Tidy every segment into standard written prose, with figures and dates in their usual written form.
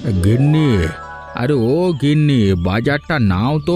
গিন্নি, আরে ও গিন্নি, বাজারটা নাও তো।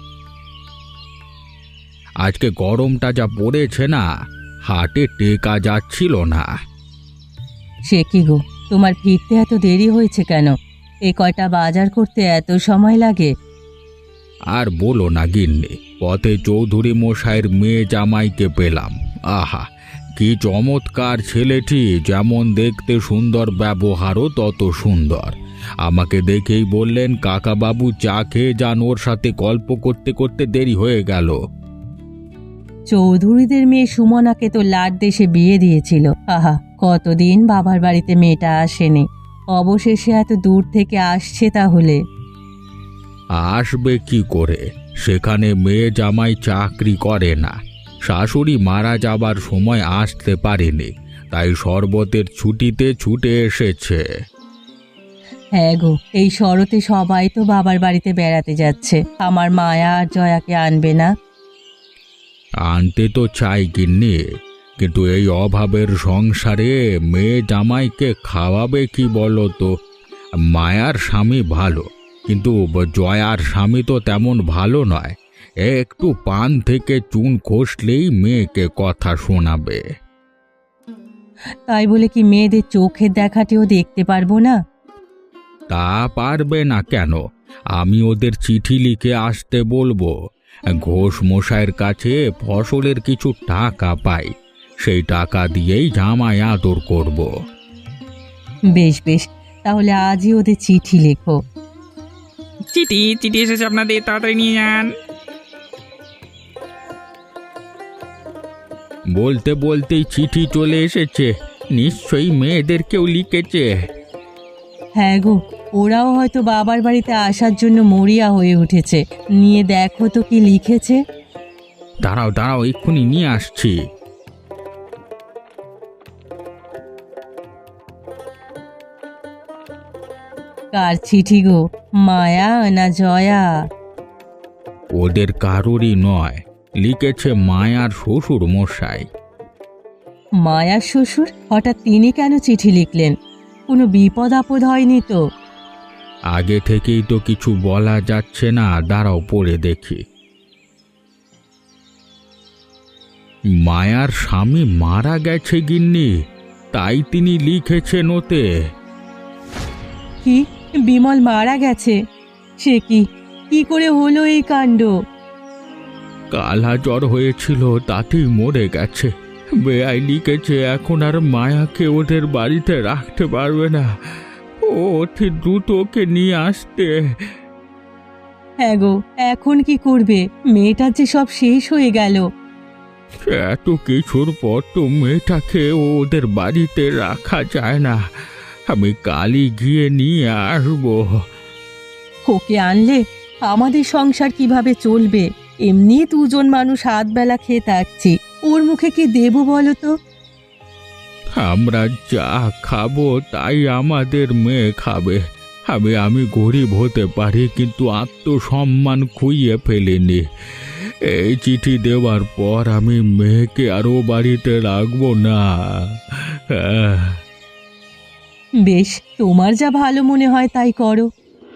আজকে গরমটা যা পড়েছে না, হাটে টেকা যাচ্ছিল না। সে কি গো, তোমার ফিরতে এত দেরি হয়েছে কেন? এ কয়টা বাজার করতে এত সময় লাগে? আর বলো না গিন্নি, পথে চৌধুরী মশাইয়ের মেয়ে জামাইকে পেলাম। আহা, কি চমৎকার ছেলেটি! যেমন দেখতে সুন্দর, ব্যবহারও তত সুন্দর। আমাকে দেখেই বললেন, কাকা বাবু চা খেয়ে যান, ওর সাথে গল্প করতে করতে দেরি হয়ে গেল। চৌধুরীদের মেয়ে সুমনাকে তো লাট দেশে বিয়ে দিয়েছিল। আহা, কতদিন বাবার বাড়িতে মেয়েটা আসেনি, অবশেষে এত দূর থেকে আসছে তাহলে। আসবে কি করে? সেখানে মেয়ে জামাই চাকরি করে না, শাশুড়ি মারা যাবার সময় আসতে পারেনি, তাই শরবতের ছুটিতে ছুটে এসেছে। হ্যাঁ গো, এই শরতে সবাই তো বাবার বাড়িতে বেড়াতে যাচ্ছে, আমার মায়া আর জয়াকে আনবে না? আনতে তো চাই গিন্নি, কিন্তু এই অভাবের সংসারে মেয়ে জামাইকে খাওয়াবে কি বলো তো? মায়ার স্বামী ভালো, কিন্তু জয়ার স্বামী তো তেমন ভালো নয়। একটু পান থেকে চুন খসলেই মেয়েকে কথা শোনাবে। তাই বলে কি মেয়েদের চোখের দেখাটেও দেখতে পারবো না? তা পারবে না কেন? আমি ওদের চিঠি লিখে আসতে বলবো। ঘোষ মশাইয়ের কাছে ফসলের কিছু টাকা পাই, সেই টাকা দিয়েই জামাই আদর করব। বেশ বেশ, তাহলে আজই ওদের চিঠি লেখো। চিঠি চিঠি এসেছে আপনাদের, তাড়াতাড়ি নিয়ে যান। বলতে বলতেই চিঠি চলে এসেছে, নিশ্চয়ই মেয়েদের কেউ লিখেছে। হ্যাঁ গো, ওরাও হয়তো বাবার বাড়িতে আসার জন্য মরিয়া হয়ে উঠেছে। নিয়ে দেখো তো কি লিখেছে। দাঁড়াও দাঁড়াও, এক্ষুনি নিয়ে আসছি। কার চিঠি গো, মায়া না জয়া? ওদের কারোরই নয়, লিখেছে মায়ার শ্বশুর মশাই। মায়ার শ্বশুর? হঠাৎ তিনি কেন চিঠি লিখলেন? কোনো বিপদ আপদ হয়নি তো? আগে থেকেই তো কিছু বলা যাচ্ছে না, দাঁড়াও পড়ে দেখি। মায়ার স্বামী মারা গেছে গিন্নি, তাই তিনি লিখেছেন ওতে। কি, বিমল মারা গেছে? সে কি, কি করে হলো এই কাণ্ড? কালা জ্বর হয়েছিল, তাতেই মরে গেছে। বেআই লিখেছে এখন আর মায়াকে ওদের বাড়িতে রাখতে পারবে না, ও অতি দ্রুত ওকে নিয়ে আসতে। হ্যাঁ গো, এখন কি করবে? মেয়েটার যে সব শেষ হয়ে গেল। এত কিছুর পর তো মেয়েটাকে ওদের বাড়িতে রাখা যায় না, আমি কালই গিয়ে নিয়ে আসবো। ওকে আনলে আমাদের সংসার কিভাবে চলবে? এমনি দুজন মানুষ হাত বেলা খেয়ে থাকছি, ওর মুখে কি দেবো বলো তো? আমরা যা খাবো তাই আমাদের মেয়ে খাবে। আমি গরিব হতে পারি, কিন্তু আত্মসম্মান খুইয়ে ফেলিনি। এই চিঠি দেওয়ার পর আমি মেয়েকে আরও বাড়িতে রাখবো না। বেশ, তোমার যা ভালো মনে হয় তাই করো।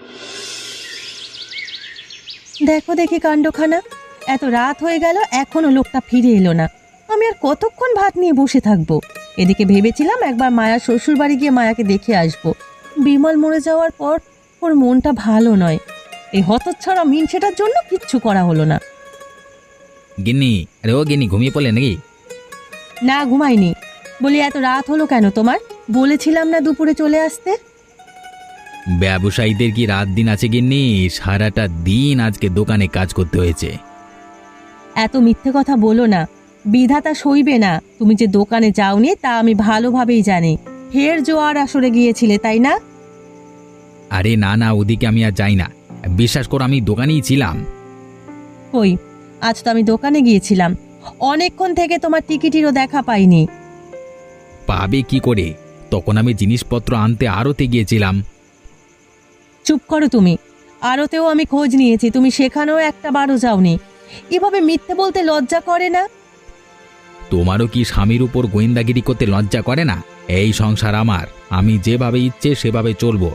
দেখো দেখি কাণ্ডখানা, এত রাত হয়ে গেল এখনো লোকটা ফিরে এলো না। আমি আর কতক্ষণ ভাত নিয়ে বসে থাকবো? এদিকে ভেবেছিলাম একবার মায়ার শ্বশুর বাড়ি গিয়ে মায়াকে দেখে আসবো। বিমল মরে যাওয়ার পর ওর মনটা ভালো নয়। এই হতচ্ছাড়া মিনসেটার জন্য কিচ্ছু করা হলো না। গিন্নি, আরে ও গিন্নি, ঘুমিয়ে পড়লেন নাকি? না, ঘুমাইনি। বলি এত রাত হলো কেন তোমার? বলেছিলাম না দুপুরে চলে আসতে। ব্যবসায়ীদের কি রাত দিন আছে গিন্নি? সারাটা দিন আজকে দোকানে কাজ করতে হয়েছে। এত মিথ্যে কথা বলো না, বিধাতা সইবে না। তুমি যে দোকানে যাওনি তা আমি ভালোভাবেই জানি। ফের জোয়ার আসরে গিয়েছিলে তাই না? আরে না না, ওদিকে আমি আর যাই না, বিশ্বাস করো আমি দোকানেই ছিলাম। কই, আজ তো আমি দোকানে গিয়েছিলাম, অনেকক্ষণ থেকে তোমার টিকিটিরও দেখা পাইনি। পাবে কি করে? তখন আমি জিনিসপত্র আনতে আড়তে গিয়েছিলাম। চুপ করো তুমি। আরতেও আমি খোঁজ নিয়েছি, তুমি সেখানেও একটা বারও যাওনি। এভাবে মিথ্যে বলতে লজ্জা করে না? তোমারও কি স্বামীর উপর গোয়েন্দাগিরি করতে লজ্জা করে না? এই সংসার আমার, আমি যেভাবে ইচ্ছে সেভাবে চলবো।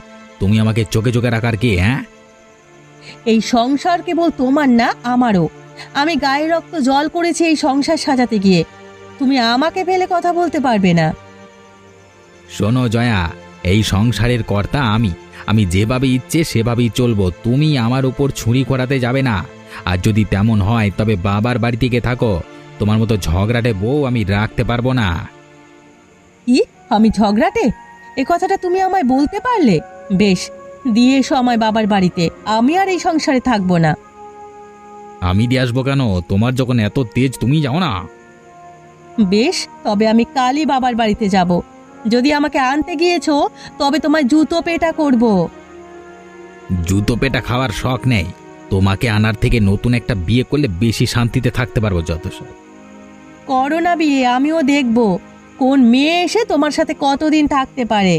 তুমি আমাকে চোখে চোখে রাখার কে? হ্যাঁ, এই সংসার কেবল তোমার না, আমারও। আমি গায়ে রক্ত জল করেছি এই সংসার সাজাতে গিয়ে। তুমি আমাকে ফেলে কথা বলতে পারবে না। শোনো জয়া, এই সংসারের কর্তা আমি যেভাবে ইচ্ছে সেভাবেই চলবো। তুমি আমার উপর ছুরি করাতে যাবে না। আর যদি তেমন হয় তবে বাবার বাড়ি থেকে থাকো। তোমার মতো ঝগড়াটে বউ আমি রাখতে পারবো না। কি? আমি ঝগড়াটে? এ কথাটা তুমি আমায় বলতে পারলে? বেশ, দিয়ে এসো আমায় বাবার বাড়িতে। আমি আর এই সংসারে থাকবো না। আমি দিয়ে আসবো কেন? তোমার যখন এত তেজ তুমি যাও না। বেশ, তবে আমি কালই বাবার বাড়িতে যাব। যদি আমাকে আনতে গিয়েছো তবে তোমায় জুতো পেটা করব। জুতো পেটা খাওয়ার শখ নেই। তোমাকে আনার থেকে নতুন একটা বিয়ে করলে বেশি শান্তিতে থাকতে পারবো যথেষ্ট। করো না বিয়ে, আমিও দেখব কোন মেয়ে এসে তোমার সাথে কতদিন থাকতে পারে।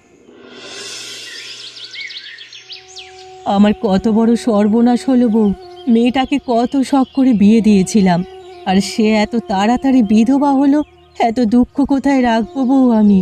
আমার কত বড় সর্বনাশ হলো বউ। মেয়েটাকে কত শখ করে বিয়ে দিয়েছিলাম, আর সে এত তাড়াতাড়ি বিধবা হলো। এত দুঃখ কোথায় রাখবো বউ আমি?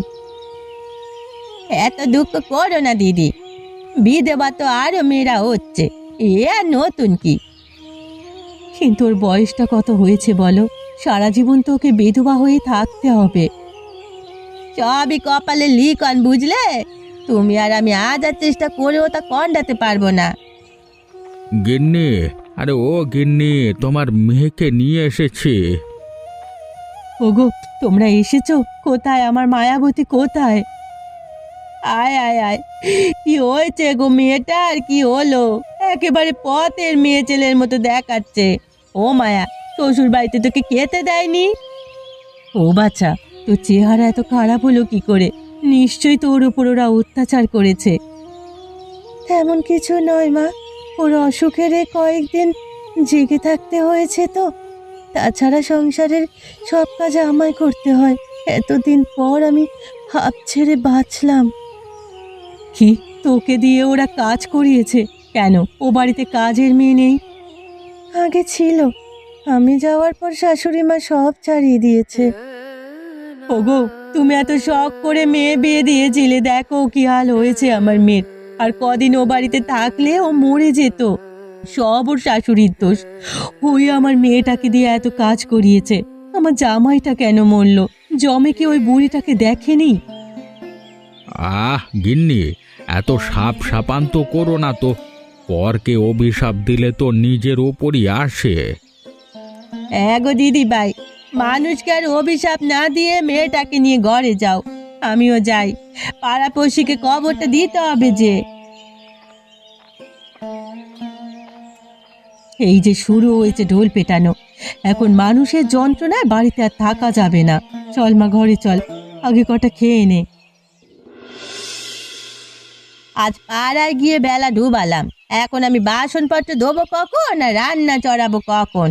এত দুঃখ করো না দিদি, বিধবা তো আরো মেয়েরা হচ্ছে, এ আর নতুন কি? কিন্তু ওর বয়সটা কত হয়েছে বলো? সারা জীবন তো ওকে বিধবা হয়ে থাকতে হবে। সবই কপালে লিখন, বুঝলে? তুমি আর আমি আজ আর চেষ্টা করেও তা কন্ডাতে পারবো না। গিন্নি, আরে ও গিন্নি, তোমার মেয়েকে নিয়ে এসেছি। ওগো, তোমরা এসেছো? কোথায় আমার মায়াবতী, কোথায়? আয় আয় আয়, কি হয়েছে গো মেয়েটার? কি হলো? একেবারে পথের মেয়ে ছেলের মতো দেখাচ্ছে। ও মায়া, শ্বশুর বাড়িতে তোকে খেতে দেয়নি? ও বাচ্চা, তোর চেহারা এত খারাপ হলো কি করে? নিশ্চয়ই তোর উপর ওরা অত্যাচার করেছে। তেমন কিছু নয় মা, ওর অসুখের কয়েকদিন জেগে থাকতে হয়েছে তো। তাছাড়া সংসারের সব কাজ আমায় করতে হয়। এতদিন পর আমি হাঁপ ছেড়ে বাঁচলাম। কি, তোকে দিয়ে ওরা কাজ করিয়েছে? কেন, ও বাড়িতে কাজের মেয়ে নেই? আগে ছিল, আমি যাওয়ার পর শাশুড়ি মা সব ছাড়িয়ে দিয়েছে। ওগো, তুমি এত শখ করে মেয়ে বিয়ে দিয়েছিলে, দেখো কি হাল হয়েছে আমার মেয়ের। আর কদিন ও বাড়িতে থাকলে ও মরে যেত। সব ওর শাশুড়ির দোষ। ওই আমার মেয়েটাকে দিয়ে এত কাজ করিয়েছে। আমার জামাইটা কেন মরল? জমে কি ওই বুড়িটাকে দেখেনি? গিন্নি, এত সাপ সাপান্ত করো না তো। পরকে অভিশাপ দিলে তো নিজের ওপরই আসে। গো দিদি ভাই, মানুষকে আর অভিশাপ না দিয়ে মেয়েটাকে নিয়ে ঘরে যাও। আমিও যাই, পাড়াপড়শিকে খবরটা দিতে হবে যে। এই যে শুরু হয়েছে ঢোল পেটানো, এখন মানুষের যন্ত্রণায় বাড়িতে আর থাকা যাবে না। চল মা, ঘরে চল, আগে কটা খেয়ে নে। আজ পাড়ায় গিয়ে বেলা ডুবালাম, এখন আমি বাসনপত্র ধোবো কখন আর রান্না চড়াবো কখন?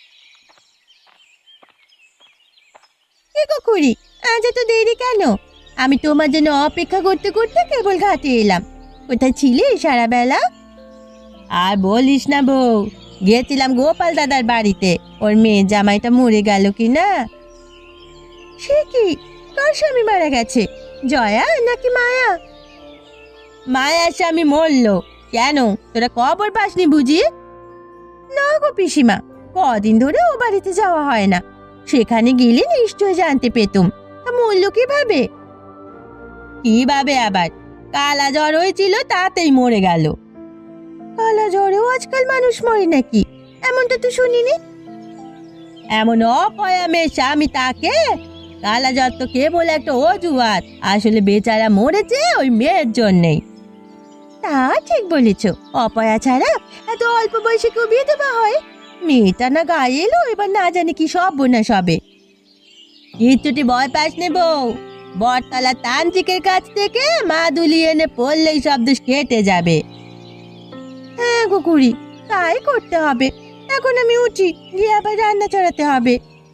কি গো খুড়ি, আজ এত দেরি কেন? আমি তোমার জন্য অপেক্ষা করতে করতে কেবল ঘাটে এলাম। কোথায় ছিলে সারা বেলা? আর বলিস না বউ, গিয়েছিলাম গোপাল দাদার বাড়িতে। ওর মেয়ে জামাইটা মরে গেল কি না। সে কি, কার স্বামী মারা গেছে? জয়া নাকি মায়া? মায়ার স্বামী মরলো। কেন, তোরা খবর পাসনি বুঝি? না গো পিসিমা, কদিন ধরে ও বাড়িতে যাওয়া হয় না। সেখানে গেলে নিশ্চয় জানতে পেতুম। তা মরল কিভাবে? কিভাবে আবার? কালা জ্বর হয়েছিল, তাতেই মরে গেল। কালা জ্বরেও আজকাল মানুষ মরে নাকি? এমনটা তো শুনিনি। এমন অপয়া মেয়ে স্বামী তাকে? কালা জ্বর তো কেবল একটা অজুহাত, আসলে বেচারা মরেছে ওই মেয়ের জন্যেই। তা ঠিক বলেছ, অপয়া ছাড়া এত অল্প বয়সে কেউ বিয়ে দেওয়া হয়? মেয়েটা না গায়ে এলো, এবার না জানি কি সব বোনা সবে। কিচ্ছুটি ভয় পাস নে বউ, বটতলা তান্ত্রিকের কাছ থেকে মা দুলি এনে পড়লেই সব দোষ কেটে যাবে। হ্যাঁ গো খুড়ি, তাই করতে হবে। এখন আমি উঠি, গিয়ে আবার রান্না চড়াতে হবে।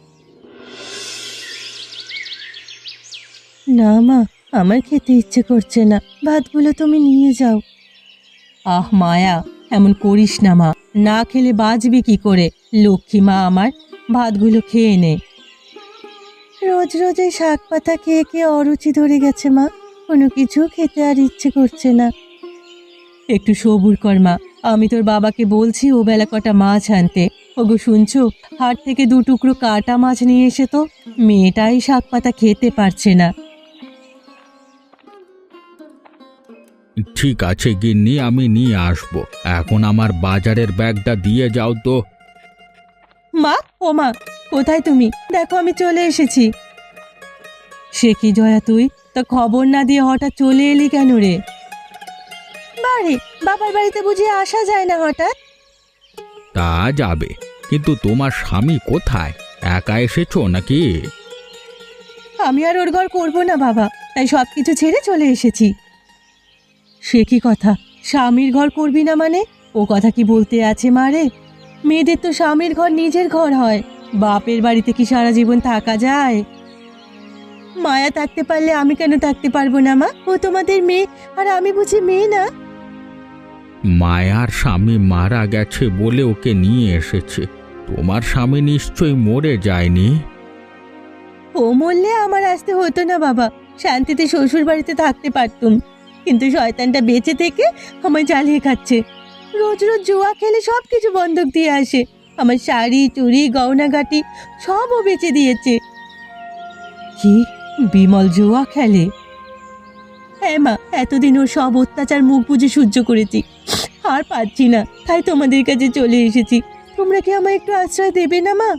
না মা, আমার খেতে ইচ্ছে করছে না, ভাতগুলো তুমি নিয়ে যাও। আহ মায়া, এমন করিস না মা, না খেলে বাঁচবি কি করে? লক্ষ্মী মা আমার, ভাতগুলো খেয়ে নে। রোজ রোজ এই শাক পাতা খেয়ে খেয়ে অরুচি ধরে গেছে মা, কোনো কিছু খেতে আর ইচ্ছে করছে না। একটু সবুর কর মা, আমি তোর বাবাকে বলছি ও বেলা কটা মাছ আনতে। ওগো শুনছো, হাট থেকে 2 টুকরো কাটা মাছ নিয়ে এসে তো, মেয়েটাই শাক পাতা খেতে পারছে না। ঠিক আছে গিন্নি, আমি নিয়ে আসবো। এখন আমার বাজারের ব্যাগটা দিয়ে যাও তো। মা, ও মা, কোথায় তুমি? দেখো আমি চলে এসেছি। সে কি জয়া, তুই তা খবর না দিয়ে হঠাৎ চলে এলি কেন রে? বাড়ি, বাবার বাড়িতে বুঝিয়ে আসা যায় না হঠাৎ? তা যাবে, কিন্তু তোমার স্বামী কোথায়? একা এসেছো নাকি? আমি আর ওর ঘর করবো না বাবা, তাই সব কিছু ছেড়ে চলে এসেছি। সে কি কথা, স্বামীর ঘর করবি না মানে? ও কথা কি বলতে আছে মা রে? মেয়েদের তো স্বামীর ঘর নিজের ঘর হয়, বাপের বাড়িতে কি সারা জীবন থাকা যায়? মায়া থাকতে পারলে আমি কেন থাকতে পারবো না মা? ও তোমাদের মেয়ে, আর আমি বুঝি মেয়ে না? মায়ার স্বামী মারা গেছে বলে ওকে নিয়ে এসেছে। তোমার স্বামী নিশ্চয়ই মরে যায়নি। ও মরলে আমার আসতে হতো না বাবা, শান্তিতে শ্বশুর বাড়িতে থাকতে পারতুম। কিন্তু শয়তানটা বেঁচে থেকে আমায় জ্বালিয়ে খাচ্ছে। রোজ রোজ জুয়া খেলে সব কিছু বন্ধক দিয়ে আসে। আমার শাড়ি, চুড়ি, গয়নাগাটি সব ও বেচে দিয়েছে। কি, বিমল জুয়া খেলে? হ্যাঁ মা, এতদিন ওর সব অত্যাচার মুখ বুজে সহ্য করেছি, আর পারছি না, তাই তোমাদের কাছে চলে এসেছি। তোমরা কি আমায় একটু আশ্রয় দেবে না মা?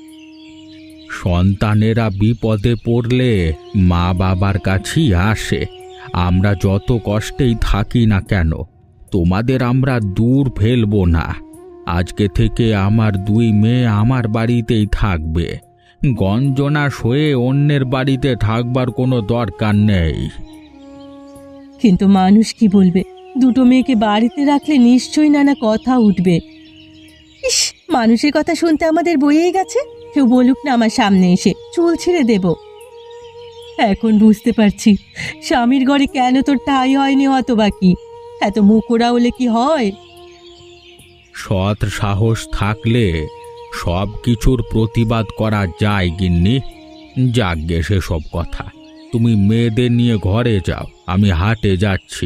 সন্তানেরা বিপদে পড়লে মা বাবার কাছেই আসে। আমরা যত কষ্টেই থাকি না কেন, তোমাদের আমরা দূর ফেলবো না। আজকে থেকে আমার 2 মেয়ে আমার বাড়িতেই থাকবে। গঞ্জনা সয়ে অন্যের বাড়িতে থাকবার কোনো দরকার নেই। কিন্তু মানুষ কি বলবে? 2টো মেয়েকে বাড়িতে রাখলে নিশ্চয়ই নানা কথা উঠবে। ইস, মানুষের কথা শুনতে আমাদের বইয়েই গেছে। কেউ বলুক না আমার সামনে এসে, চুল ছিঁড়ে দেব। এখন বুঝতে পারছি স্বামীর ঘরে কেন তোর ঠাঁই হয়নি হতবাকি। এত মুখোরা হলে কি হয়? সৎ সাহস থাকলে সব কিছুর প্রতিবাদ করা যায় গিন্নি। যাকগে সেসব কথা, তুমি মেয়েদের নিয়ে ঘরে যাও, আমি হাটে যাচ্ছি।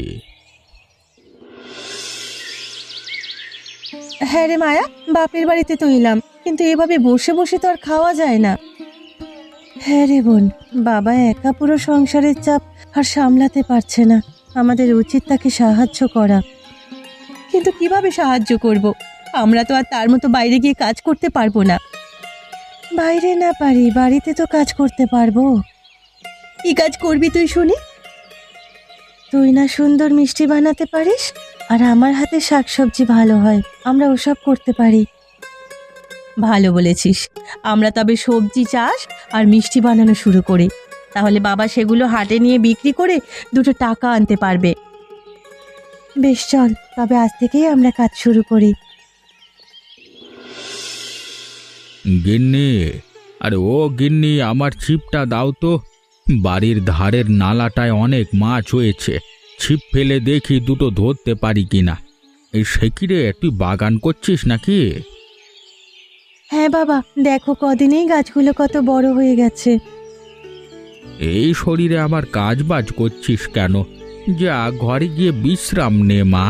হ্যাঁ রে মায়া, বাপের বাড়িতে তো এলাম, কিন্তু এভাবে বসে বসে তো আর খাওয়া যায় না। হ্যাঁ রে বোন, বাবা একা পুরো সংসারের চাপ আর সামলাতে পারছে না। আমাদের উচিত তাকে সাহায্য করা। কিন্তু কিভাবে সাহায্য করব? আমরা তো আর তার মতো বাইরে গিয়ে কাজ করতে পারবো না। বাইরে না পারি, বাড়িতে তো কাজ করতে পারবো। কি কাজ করবি তুই শুনি? তুই না সুন্দর মিষ্টি বানাতে পারিস, আর আমার হাতে শাকসবজি ভালো হয়, আমরা ওসব করতে পারি। ভালো বলেছিস, আমরা তবে সবজি চাষ আর মিষ্টি বানানো শুরু করি। তাহলে বাবা সেগুলো হাটে নিয়ে বিক্রি করে 2টো টাকা আনতে পারবে। বেশ, চল তবে আজ থেকেই আমরা কাজ শুরু করি। গিন্নি, আরে ও গিন্নি, আমার ছিপটা দাও তো। বাড়ির ধারের নালাটায় অনেক মাছ হয়েছে, ছিপ ফেলে দেখি 2টো ধরতে পারি কিনা। এই সে কি রে, তুই বাগান করছিস নাকি? হ্যাঁ বাবা, দেখো কদিনেই গাছগুলো কত বড় হয়ে গেছে। এই শরীরে আবার কাজ বাজ করছিস কেন? যা ঘরে গিয়ে বিশ্রাম নে মা।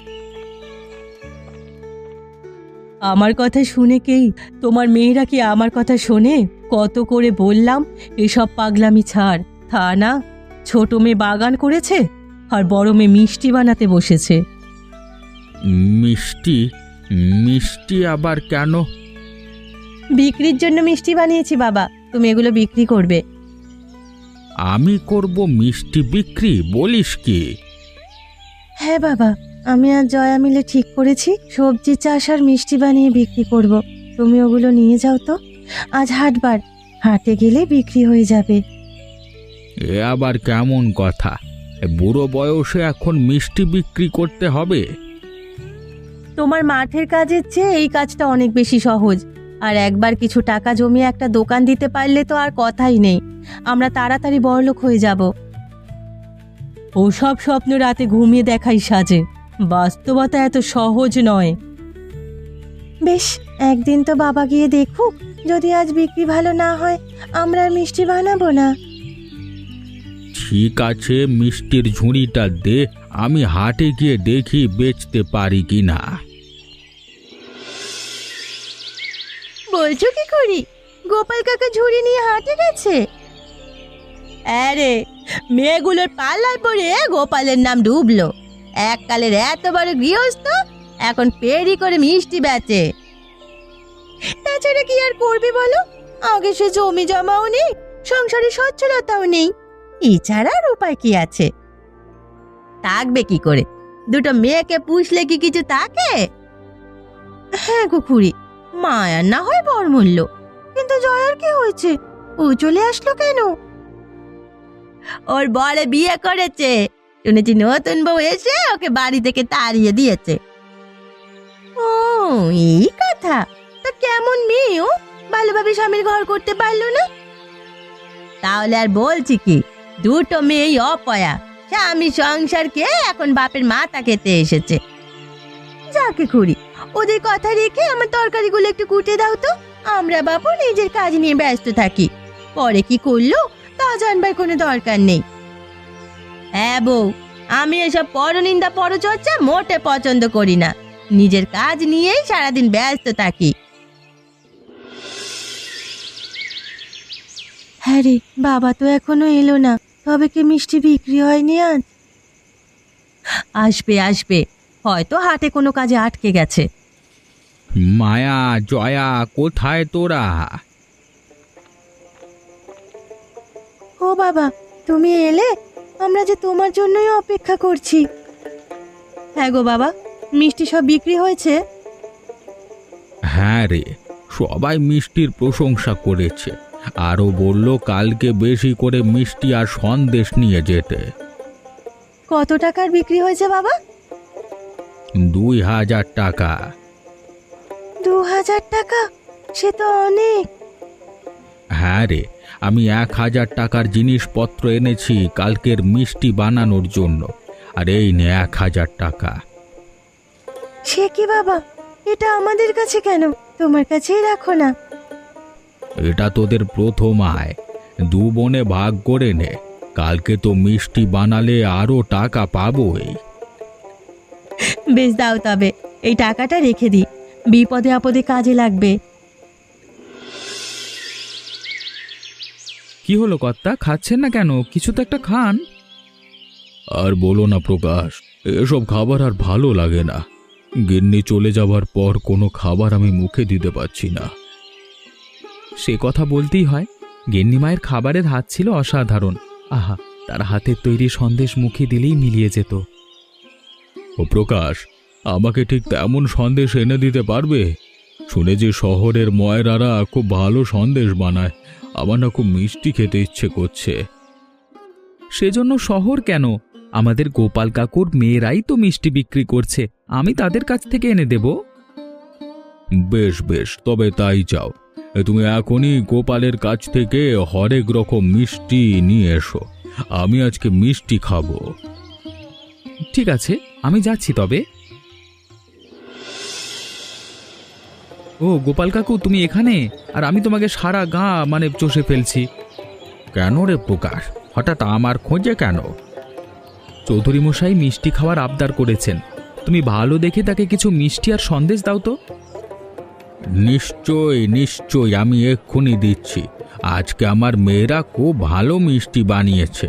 আমার কথা শুনে কেই, তোমার মেয়েরা কি আমার কথা শোনে? কত করে বললাম এসব পাগলামি ছাড়। তা না, ছোট মেয়ে বাগান করেছে আর বড় মেয়ে মিষ্টি বানাতে বসেছে। মিষ্টি? মিষ্টি আবার কেন? বিক্রির জন্য মিষ্টি বানিয়েছি বাবা, তুমি এগুলো বিক্রি করবে। আমি করব মিষ্টি বিক্রি? বলিস কি? হ্যাঁ বাবা, আমি আর জয়া মিলে ঠিক করেছি সবজি চাষ আর মিষ্টি বানিয়ে বিক্রি করব। তুমি ওগুলো নিয়ে যাও তো, আজ হাটবার, হাটে গেলে বিক্রি হয়ে যাবে। এ আবার কেমন কথা? বুড়ো বয়সে এখন মিষ্টি বিক্রি করতে হবে? তোমার মাঠের কাজের চেয়ে এই কাজটা অনেক বেশি সহজ। আর একবার কিছু টাকা জমিয়ে একটা দোকান দিতে পারলে তো আর কথাই নেই, আমরা তাড়াতাড়ি বড়লোক হয়ে যাব। ওসব স্বপ্ন রাতে ঘুমিয়ে দেখাই সাজে, বাস্তবতা এত সহজ নয়। বেশ, একদিন তো বাবা গিয়ে দেখুক, যদি আজ বিক্রি ভালো না হয় আমরা আর মিষ্টি বানাবো না। ঠিক আছে, মিষ্টির ঝুড়িটা দে, আমি হাটে গিয়ে দেখি বেচতে পারি কিনা। বলছো কি করি? গোপাল কাকা ঝুড়ি নিয়ে হাটে গেছে? আরে, মেয়েগুলোর পাল্লায় পড়ে গোপালের নাম ডুবলো। এককালের এত বড় গৃহস্থ এখন পেরি করে মিষ্টি বেচে। তাছাড়া কি আর করবে বলো? আগে সে জমি জমাও নেই, সংসারে সচ্ছলতাও নেই, এছাড়া আর উপায় কি আছে? থাকবে কি করে? দুটো মেয়েকে পুষলে কি কিছু থাকে? হ্যাঁ গো খুড়ি, মায়ার না হয় বরমূল্য, কিন্তু জয়ার কি হয়েছে? ও চলে আসলো কেন? ওর বরে বিয়ে করেছে, শুনেছি নতুন বউ এসে ওকে বাড়ি থেকে তাড়িয়ে দিয়েছে। ও, এই কথা। তা কেমন মেয়ে ও? ভালোভাবে স্বামীর ঘর করতে পারলো না? তাহলে আর বলছি কি, দুটো মেয়েই অপয়া, স্বামী সংসারকে এখন বাপের মাথা খেতে এসেছে। যাকে খুড়ি, ওদের কথা রেখে আমার তরকারিগুলো একটু কুটে দাও তো। আমরা বাবু নিজের কাজ নিয়ে ব্যস্ত থাকি, পরে কি করলো তা জানবার কোনো দরকার নেই। হ্যাঁ বউ, আমি এসব পরনিন্দা পরচর্চা মোটে পছন্দ করি না, নিজের কাজ নিয়েই সারাদিন ব্যস্ত থাকি। হ্যাঁ রে, বাবা তো এখনো এলো না, তবে কি মিষ্টি বিক্রি হয়নি আজ? আসবে আসবে, হয়তো হাটে কোনো কাজে আটকে গেছে। মায়া, জয়া, কোথায় তোরা? ও বাবা, তুমি এলে? আমরা যে তোমার জন্যই অপেক্ষা করছি। হ্যাঁ গো বাবা, মিষ্টি সব বিক্রি হয়েছে? হ্যাঁ রে, সবাই মিষ্টির প্রশংসা করেছে, আরও বলল কালকে বেশি করে মিষ্টি আর সন্দেশ নিয়ে যেতে। কত টাকার বিক্রি হয়েছে বাবা? 2000 টাকা। 2000 টাকা? সে তো অনেক। হ্যাঁ রে, আমি 1000 টাকার জিনিসপত্র এনেছি কালকের মিষ্টি বানানোর জন্য, আর এই নে 1000 টাকা। সে কি বাবা, এটা আমাদের কাছে কেন? তোমার কাছেই রাখো না। এটা তোদের প্রথম আয়, 2 বোনে ভাগ করে নে, কালকে তো মিষ্টি বানালে আরো টাকা পাবোই। বেশ, দাও তবে, এই টাকাটা রেখে দিই, বিপদে আপদে কাজে লাগবে। কি হলো কর্তা, খাচ্ছেন না কেন? কিছু তো একটা খান। আর বলো না প্রকাশ, এসব খাবার আর ভালো লাগে না। গিন্নি চলে যাবার পর কোনো খাবার আমি মুখে দিতে পারছি না। সে কথা বলতেই হয়, গিন্নিমায়ের খাবারের হাত ছিল অসাধারণ। আহা, তার হাতের তৈরি সন্দেশ মুখে দিলেই মিলিয়ে যেত। ও প্রকাশ, আমাকে ঠিক তেমন সন্দেশ এনে দিতে পারবে? শুনেছি শহরের ময়রারা খুব ভালো সন্দেশ বানায়, আমার না খুব মিষ্টি খেতে ইচ্ছে করছে। সেজন্য শহর কেন, আমাদের গোপাল কাকুর মেয়েরাই তো মিষ্টি বিক্রি করছে, আমি তাদের কাছ থেকে এনে দেব। বেশ বেশ, তবে তাই যাও, তুমি এখনই গোপালের কাছ থেকে হরেক রকম মিষ্টি নিয়ে এসো, আমি আজকে মিষ্টি খাবো। ঠিক আছে, আমি যাচ্ছি তবে। ও গোপাল কাকু, তুমি এখানে? আর আমি তোমাকে সারা গা চষে ফেলছি। কেন রে প্রকাশ, হঠাৎ আমার খোঁজে কেন? চৌধুরী মশাই মিষ্টি খাওয়ার আবদার করেছেন, তুমি ভালো দেখে তাকে কিছু মিষ্টি আর সন্দেশ দাও তো। নিশ্চয় নিশ্চয়, আমি এক্ষুনি দিচ্ছি। আজকে আমার মেয়েরা খুব ভালো মিষ্টি বানিয়েছে।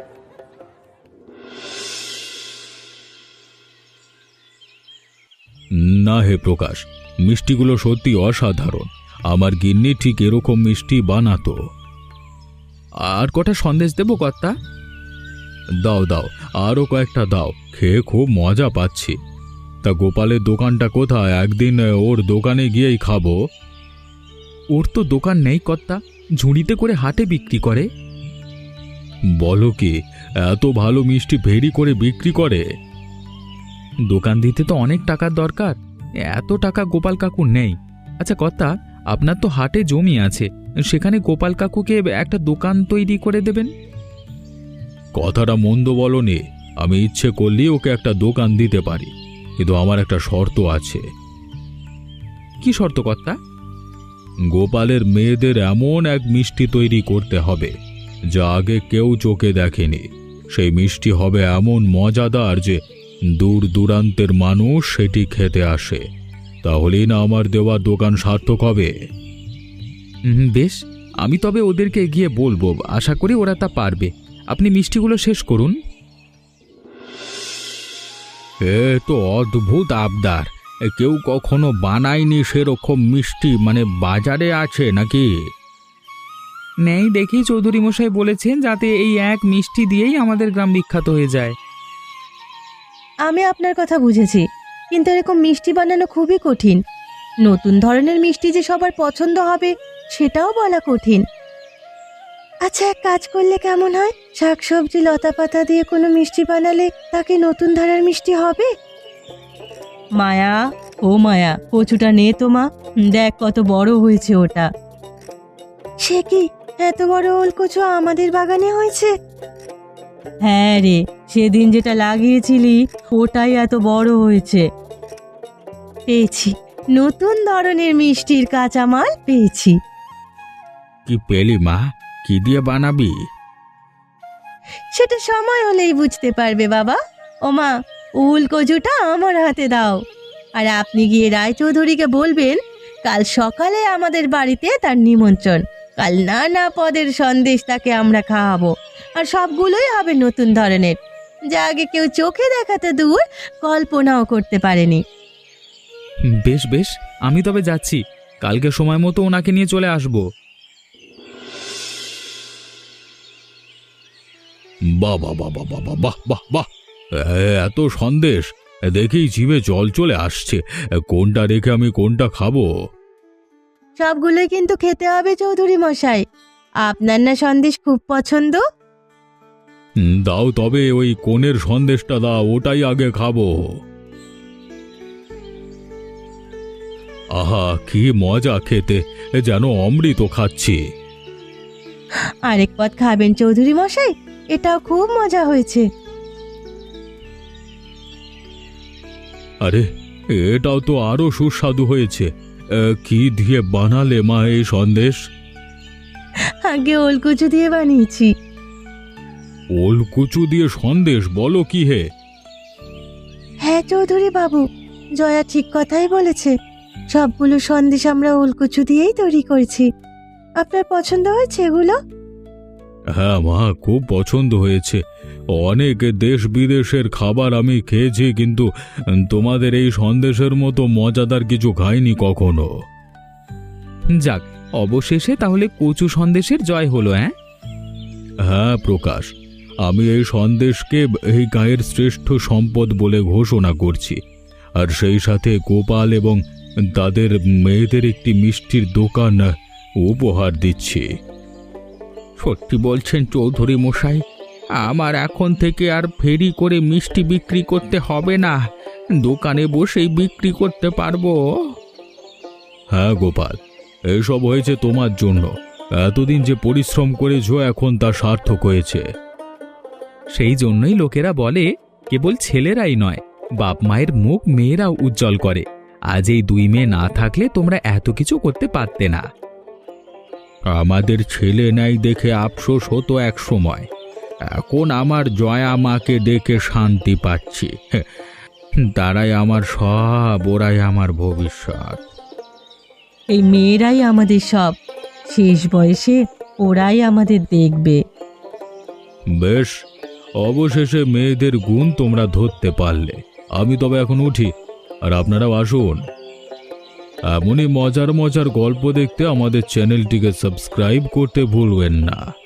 না হে প্রকাশ, মিষ্টিগুলো সত্যি অসাধারণ, আমার গিন্নি ঠিক এরকম মিষ্টি বানাতো। আর কটা সন্দেশ দেবো কর্তা? দাও দাও, আরও কয়েকটা দাও, খেয়ে খুব মজা পাচ্ছি। তা গোপালের দোকানটা কোথায়? একদিন ওর দোকানে গিয়েই খাবো। ওর তো দোকান নেই কর্তা, ঝুড়িতে করে হাটে বিক্রি করে। বলো কি, এত ভালো মিষ্টি ভেরি করে বিক্রি করে? দোকান দিতে তো অনেক টাকার দরকার, এত টাকা গোপাল কাকুর নেই। আচ্ছা কর্তা, আপনার তো হাটে জমি আছে, সেখানে গোপাল কাকুকে একটা দোকান তৈরি করে দেবেন। কথাটা মন্দ বলনি, আমি ইচ্ছে করলেই ওকে একটা দোকান দিতে পারি, কিন্তু আমার একটা শর্ত আছে। কি শর্ত কর্তা? গোপালের মেয়েদের এমন এক মিষ্টি তৈরি করতে হবে যা আগে কেউ চোখে দেখেনি। সেই মিষ্টি হবে এমন মজাদার যে দূর দূরান্তের মানুষ সেটি খেতে আসে। তাহলেই না আমার দেওয়া দোকান সার্থক হবে। বেশ, আমি তবে ওদেরকে গিয়ে বলবো, আশা করি ওরা তা পারবে। আপনি মিষ্টিগুলো শেষ করুন। এ তো অদ্ভুত আবদার। কেউ কখনো বানায়নি সেরকম মিষ্টি, মানে বাজারে আছে নাকি? নেই দেখি চৌধুরী মশাই বলেছেন যাতে এই এক মিষ্টি দিয়েই আমাদের গ্রাম বিখ্যাত হয়ে যায়। আমি আপনার কথা বুঝেছি, কিন্তু এরকম মিষ্টি বানানো খুবই কঠিন। নতুন ধরনের মিষ্টি যে সবার পছন্দ হবে সেটাও বলা কঠিন। আচ্ছা, এক কাজ করলে কেমন হয়? শাকসবজি লতা পাতা দিয়ে কোনো মিষ্টি বানালে তাকে নতুন ধারার মিষ্টি হবে। মায়া, ও মায়া, কচুটা নে তো মা, দেখ কত বড় হয়েছে ওটা। সে কি, এত বড় ওল কচু আমাদের বাগানে হয়েছে? হ্যাঁ রে, সেদিন যেটা লাগিয়েছিলি ওটাই এত বড় হয়েছে। পেয়েছি, নতুন ধরনের মিষ্টির কাঁচামাল পেয়েছি। কি পেলি মা? কি দিয়ে বানাবি? সেটা সময় হলেই বুঝতে পারবে বাবা। ও মা, উল কচুটা আমার হাতে দাও, আর আপনি গিয়ে রায়চৌধুরীকে বলবেন কাল সকালে আমাদের বাড়িতে তার নিমন্ত্রণ। কাল নানা পদের সন্দেশ তাকে আমরা খাওয়াবো, আর সবগুলোই হবে নতুন ধরনের, যা আগে কেউ চোখে দেখাতে দূর, কল্পনাও করতে পারেনি। বেশ বেশ, আমি তবে যাচ্ছি। কালকে সময় মতো ওনাকে নিয়ে চলে আসবো। বাহ বাহ বাহ বাহ বাহ বাহ বাহ বাহ! এত সন্দেশ দেখেই জিভে জল চলে আসছে। কোনটা রেখে আমি কোনটা খাবো? সবগুলোই কিন্তু খেতে হবে চৌধুরী মশাই। আপনার না সন্দেশ খুব পছন্দ? দাও তবে ওই কোণের সন্দেশটা দাও, ওটাই আগে খাবো। আহা, কি মজা খেতে, যেন অমৃত খাচ্ছি। আরেক পদ খাবেন চৌধুরী মশাই? এটাও খুব মজা হয়েছে। আরে, এটাও তো আরো সুস্বাদু হয়েছে। কি দিয়ে বানালে মা এই সন্দেশ? আগে ওলকুচু দিয়ে বানিয়েছি। ওলকুচু দিয়ে সন্দেশ বলো কি হে? হ্যাঁ চৌধুরী বাবু, জয়া ঠিক কথাই বলেছে। সবগুলো সন্দেশ আমরা ওলকুচু দিয়েই তৈরি করেছি। আপনার পছন্দ হয়েছে এগুলো? হ্যাঁ মা, খুব পছন্দ হয়েছে। অনেক দেশ বিদেশের খাবার আমি খেয়েছি, কিন্তু তোমাদের এই সন্দেশের মতো মজাদার কিছু খাইনি কখনো। যাক, অবশেষে তাহলে কচু সন্দেশের জয় হলো। হ্যাঁ প্রকাশ, আমি এই সন্দেশকে এই গায়ের শ্রেষ্ঠ সম্পদ বলে ঘোষণা করছি, আর সেই সাথে গোপাল এবং তাদের মেয়েদের একটি মিষ্টির দোকান উপহার দিচ্ছি। সত্যি বলছেন চৌধুরী মশাই? আমার এখন থেকে আর ফেরি করে মিষ্টি বিক্রি করতে হবে না, দোকানে বসেই বিক্রি করতে পারবো। হ্যাঁ গোপাল, এসব হয়েছে তোমার জন্য। এতদিন যে পরিশ্রম করেছো, এখন তা সার্থক হয়েছে। সেই জন্যই লোকেরা বলে কেবল ছেলেরাই নয়, বাপ মায়ের মুখ মেয়েরাও উজ্জ্বল করে। আজ এই দুই মেয়ে না থাকলে তোমরা এত কিছু করতে পারতে না। আমাদের ছেলে নাই দেখে আফসোস হতো এক সময়, এখন আমার জয়া মাকে দেখে শান্তি পাচ্ছি। তারাই আমার সব, ওরাই আমার ভবিষ্যৎ। এই মেয়েরাই আমাদের সব, শেষ বয়সে ওরাই আমাদের দেখবে। বেশ, অবশেষে মেয়েদের গুণ তোমরা ধরতে পারলে। আমি তবে এখন উঠি, আর আপনারাও আসুন। এমনই মজার মজার গল্প দেখতে আমাদের চ্যানেলটিকে সাবস্ক্রাইব করতে ভুলবেন না।